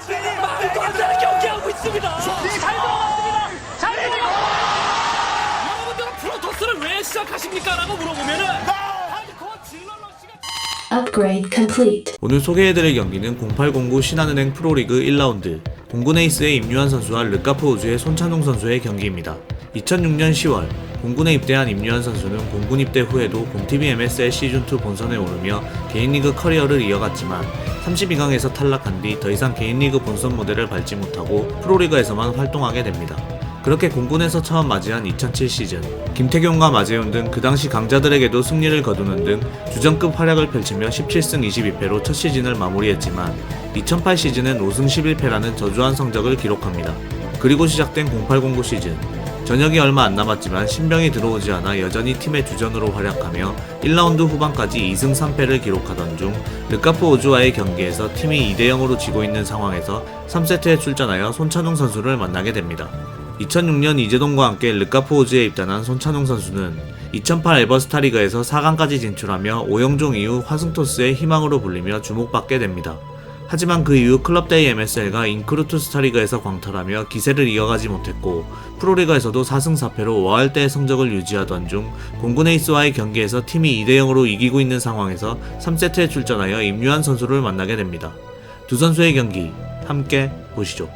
말도 안 되는 경기하고 있습니다. 잘 들어갔습니다. 잘 들어갔습니다. 여러분들은 프로토스를 왜 시작하십니까? 라고 물어보면은 하드코어 질러러시가 Upgrade complete. 오늘 소개해드릴 경기는 0809 신한은행 프로리그 1라운드 공군 에이스의 임유한 선수와 르카프 우주의 손찬웅 선수의 경기입니다. 2006년 10월 공군에 입대한 임유한 선수는 공군 입대 후에도 공TV MSL 시즌2 본선에 오르며 개인리그 커리어를 이어갔지만 32강에서 탈락한 뒤 더 이상 개인리그 본선 무대를 밟지 못하고 프로리그에서만 활동하게 됩니다. 그렇게 공군에서 처음 맞이한 2007 시즌 김태경과 마재훈 등 그 당시 강자들에게도 승리를 거두는 등 주전급 활약을 펼치며 17승 22패로 첫 시즌을 마무리했지만 2008 시즌엔 5승 11패라는 저조한 성적을 기록합니다. 그리고 시작된 0809 시즌 전역이 얼마 안 남았지만 신병이 들어오지 않아 여전히 팀의 주전으로 활약하며 1라운드 후반까지 2승 3패를 기록하던 중 르카프 우주와의 경기에서 팀이 2대0으로 지고 있는 상황에서 3세트에 출전하여 손찬웅 선수를 만나게 됩니다. 2006년 이재동과 함께 르카프 우주에 입단한 손찬웅 선수는 2008 에버스타리그에서 4강까지 진출하며 오영종 이후 화승토스의 희망으로 불리며 주목받게 됩니다. 하지만 그 이후 클럽데이 MSL과 인크루트 스타리그에서 광탈하며 기세를 이어가지 못했고 프로리그에서도 4승 4패로 워할대의 성적을 유지하던 중 공군 에이스와의 경기에서 팀이 2대0으로 이기고 있는 상황에서 3세트에 출전하여 임유한 선수를 만나게 됩니다. 두 선수의 경기 함께 보시죠.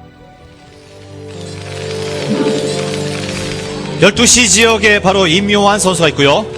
12시 지역에 바로 임요환 선수가 있고요.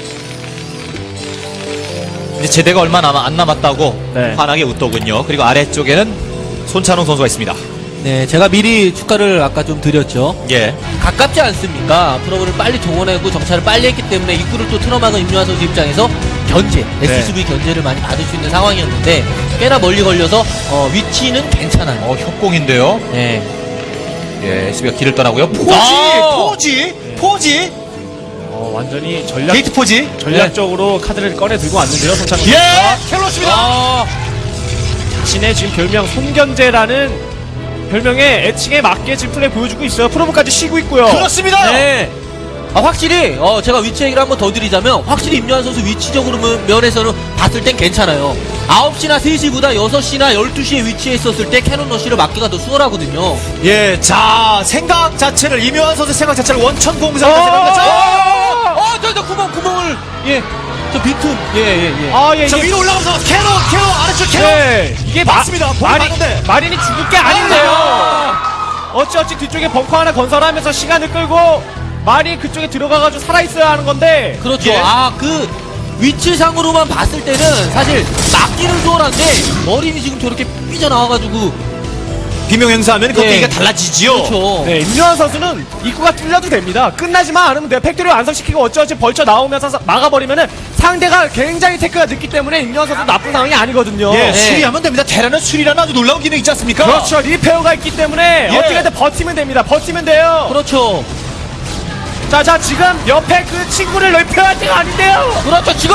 이제 제대가 얼마 안 남았다고 네. 환하게 웃더군요. 그리고 아래쪽에는 손찬웅 선수가 있습니다. 네, 제가 미리 축가를 아까 좀 드렸죠. 예. 가깝지 않습니까? 프로브를 빨리 동원하고 정찰을 빨리 했기 때문에 입구를 또 틀어막은 임요한 선수 입장에서 견제, SCV 견제를 많이 받을 수 있는 상황이었는데 꽤나 멀리 걸려서 위치는 괜찮아요. 협공인데요. 네. 예, SB가 길을 떠나고요. 포지! 아! 포지! 완전히 게이트 포지! 전략적으로 카드를 꺼내 들고 왔는데요, 손찬웅 예! 선수가. 캐롤입니다. 자신의 지금 별명 손견제라는 별명에 애칭에 맞게 지금 플레이 보여주고 있어요. 프로브까지 쉬고 있고요. 그렇습니다. 네. 확실히 제가 위치 얘기를 한번 더 드리자면 확실히 임요한 선수 위치적으로 면에서는 봤을 땐 괜찮아요. 9시나 3시보다 6시나 12시에 위치해 있었을 때 캐논 러쉬를 막기가 더 수월하거든요. 예, 자, 생각 자체를, 임요환 선수의 생각 자체를 원천공사로 생각하죠. 저 구멍을, 예, 저 빈틈, 예. 예, 저 이게, 위로 올라가서 캐논, 아래쪽 캐논! 네, 이게 맞습니다. 볼이 맞는데. 마린이 죽을 게 아닌데요. 어찌어찌 뒤쪽에 벙커 하나 건설하면서 시간을 끌고 마린 그쪽에 들어가가지고 살아있어야 하는 건데. 그렇죠. 예. 그 위치상으로만 봤을 때는 사실 막기는 수월한데 머린이 지금 저렇게 삐져나와가지고 비명 행사하면 그 예. 얘기가 달라지지요. 그렇죠. 네, 임요환 선수는 입구가 뚫려도 됩니다. 끝나지만 않으면 돼요. 팩토리 완성시키고 어찌어찌 벌쳐 나오면서 막아버리면은 상대가 굉장히 테크가 늦기 때문에 임요환 선수 나쁜 상황이 아니거든요. 예, 네. 수리하면 됩니다. 테라는 수리라는 아주 놀라운 기능 있지 않습니까? 그렇죠. 리페어가 있기 때문에 예. 어떻게든 버티면 됩니다. 버티면 돼요. 그렇죠. 자, 지금 옆에 그 친구를 리페어할 때가 아닌데요. 그렇죠. 지금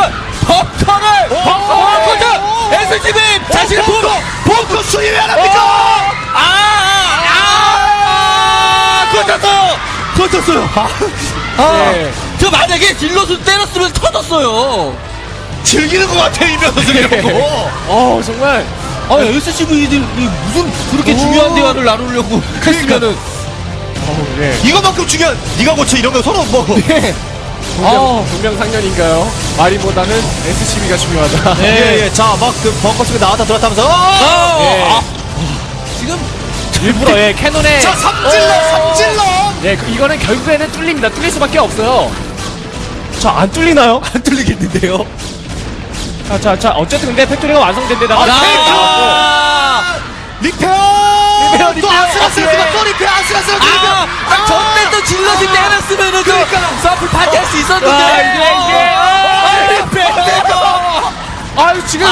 벙커를 SCV 자신의 벙커 수리 왜 안 합니까? 터졌어요. 네. 저 만약에 딜러스 때렸으면 터졌어요. 즐기는 것 같아요, 임요환 선수 이런 거. 정말. SCV들이 무슨 그렇게 중요한 대화를 나누려고 했으면은 네. 이거만큼 중요한, 네가 고쳐 이런 거 서로 뭐. 동명상련인가요? 마린보다는 SCB가 중요하다. 예. 자, 막 그 벙커 속에 나왔다 들어왔다면서. 예. 지금 일부러 캐논에. 자, 삼질러. 네, 이거는 결국에는 뚫립니다. 뚫릴 수밖에 없어요. 자, 안 뚫리나요? 안 뚫리겠는데요. 자, 어쨌든 근데 팩토리가 완성된 데다가 리페어. 리페어. 또 아슬아슬하지만 또 리페어. 전때 또 질러지 때렸으면은 그러니까요. 서플 파티할 수 있었는데. 아유, 지금.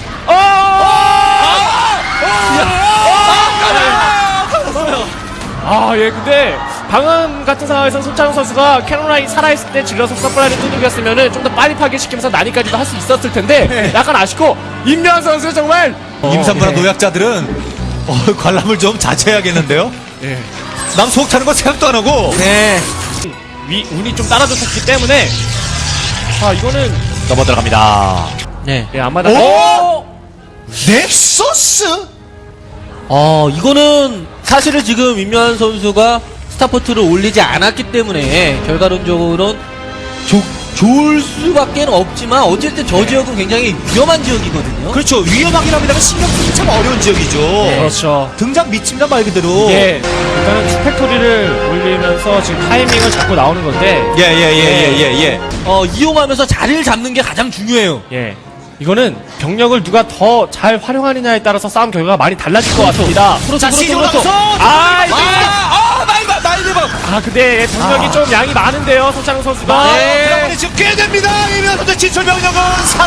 예, 근데 방금 같은 상황에서 손찬웅 선수가 캐논라인 살아있을 때 질러서 서플라이를 두들겼으면은 좀 더 빨리 파괴시키면서 난이까지도 할 수 있었을 텐데 약간 아쉽고 임요환 선수 정말 임산부나 노약자들은 관람을 좀 자제해야겠는데요. 예. 남 속 타는 거 생각도 안 하고. 네. 운이 좀 따라줬었기 때문에 이거는 넘어 들어갑니다. 네. 아마다 오! 넥서스? 이거는 사실은 지금 임요한 선수가 스타포트를 올리지 않았기 때문에 결과론적으로는 좋을 수밖에 없지만 어쨌든 저 지역은 굉장히 위험한 지역이거든요. 그렇죠. 위험하긴 합니다만 신경 쓰기 참 어려운 지역이죠. 그렇죠. 등장 미칩니다 말 그대로. 이게 일단은 투팩토리를 올리면서 지금 타이밍을 잡고 나오는 건데 예. 이용하면서 자리를 잡는 게 가장 중요해요. 예. 이거는 병력을 누가 더 잘 활용하느냐에 따라서 싸움 결과가 많이 달라질 것 같습니다. 자, 시즌 올라가서 근데 병력이 좀 양이 많은데요, 손창훈 선수가. 네. 지금 꽤 됩니다. 이면 선수 진출 병력은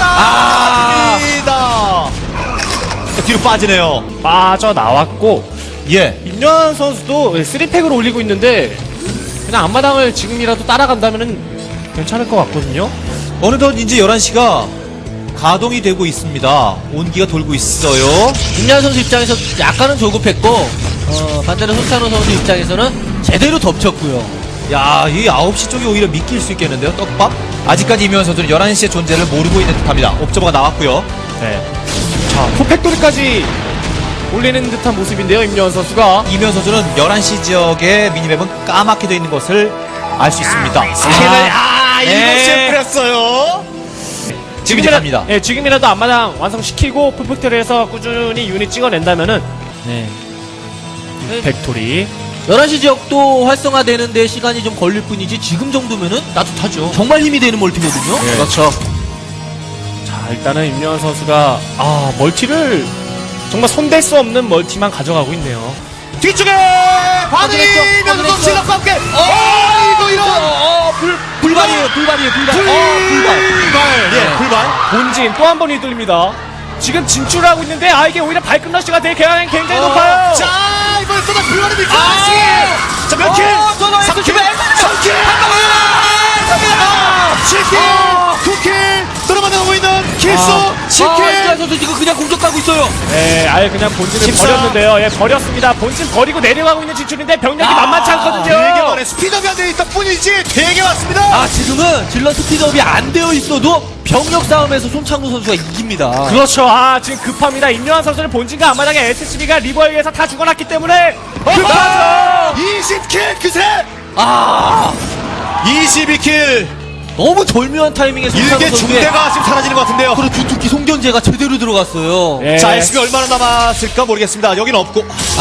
살아납니다. 뒤로 빠지네요. 빠져나왔고, 예. 임요한 선수도 3팩을 올리고 있는데, 그냥 앞마당을 지금이라도 따라간다면 괜찮을 것 같거든요. 어느덧 이제 11시가 가동이 되고 있습니다. 온기가 돌고 있어요. 임요한 선수 입장에서 약간은 조급했고 반대로 손찬호 선수 입장에서는 제대로 덮쳤고요. 야, 이 9시 쪽이 오히려 믿길 수 있겠는데요, 떡밥? 아직까지 이면 선수는 11시의 존재를 모르고 있는 듯합니다. 옵저버가 나왔고요. 네. 자, 투팩토리까지 올리는 듯한 모습인데요, 임요한 선수가. 이면 선수는 11시 지역의 미니맵은 까맣게 되어 있는 것을 알 수 있습니다. 스캔을, 네. 7시에 뿌렸어요. 지금 이제 갑니다. 예, 지금이라도 앞마당 완성시키고 풀팩토리에서 꾸준히 유닛 찍어낸다면은 네. 팩토리 11시 지역도 활성화되는데 시간이 좀 걸릴 뿐이지 지금 정도면은 따뜻하죠. 정말 힘이 되는 멀티거든요. 그렇죠. 자, 일단은 임요한 선수가 멀티를 정말 손댈 수 없는 멀티만 가져가고 있네요. 뒤쪽에 반응이 이면 선수 실력과 함께 불발이에요. 불발. 예, 불발. 본진 또 한 번 휘둘립니다. 지금 진출을 하고 있는데 이게 오히려 발끝 러시가 될 가능성이 굉장히 높아요. 자, 이번에 쏟아 불발입니까? 자, 몇 킬? 3킬! 7킬! 9킬! 들어가고 있는 킬수 10킬! 임요한 선수 지금 그냥 공격하고 있어요. 네, 아예 그냥 본진을 14. 버렸는데요. 예, 버렸습니다. 본진 버리고 내려가고 있는 진출인데 병력이 만만치 않거든요. 되게 많네. 스피드업이 안 되어 있다 뿐이지 되게 많습니다. 지금은 질러 스피드업이 안 되어 있어도 병력 싸움에서 손창구 선수가 이깁니다. 그렇죠. 지금 급합니다. 임요한 선수는 본진과 앞마당에 SCB가 리버에 의해서 다 죽어났기 때문에 급하죠. 20킬 그새! 22킬! 너무 절묘한 타이밍에 손창구 일개 선수의 중대가 지금 사라지는 것 같은데요. 그리고 두툭기 송견제가 제대로 들어갔어요. 예. 자, SB 얼마나 남았을까 모르겠습니다. 여기는 없고.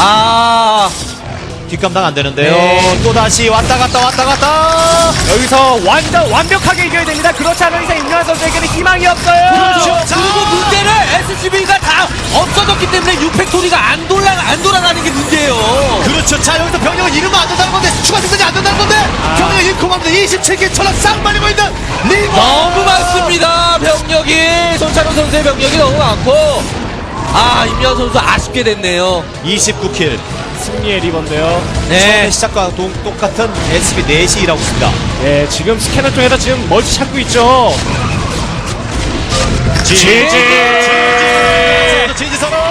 뒷감당 안 되는데요. 네. 또 다시 왔다 갔다. 여기서 완전 완벽하게 이겨야 됩니다. 그렇지 않은 이상 임요한 선수에게는 희망이 없어요. 그렇죠. 자. 그리고 문제는 SCV가 다 없어졌기 때문에 6팩토리가 안 돌아가는 게 문제예요. 그렇죠. 자, 여기서 병력을 잃으면 안 된다는 건데, 추가 생산이 안 된다는 건데, 병력을 잃고 맙니다. 27개 천락 싹 말리고 있는 리버! 너무 많습니다. 병력이 손찬호 선수의 병력이 너무 많고 임요한 선수 아쉽게 됐네요. 29킬. 승리의 리버인데요. 처음에 시작과 똑같은 SB 4시 일하고 있습니다. 예, 지금 스캐너 통해서 지금 멀티 찾고 있죠. 지지 서로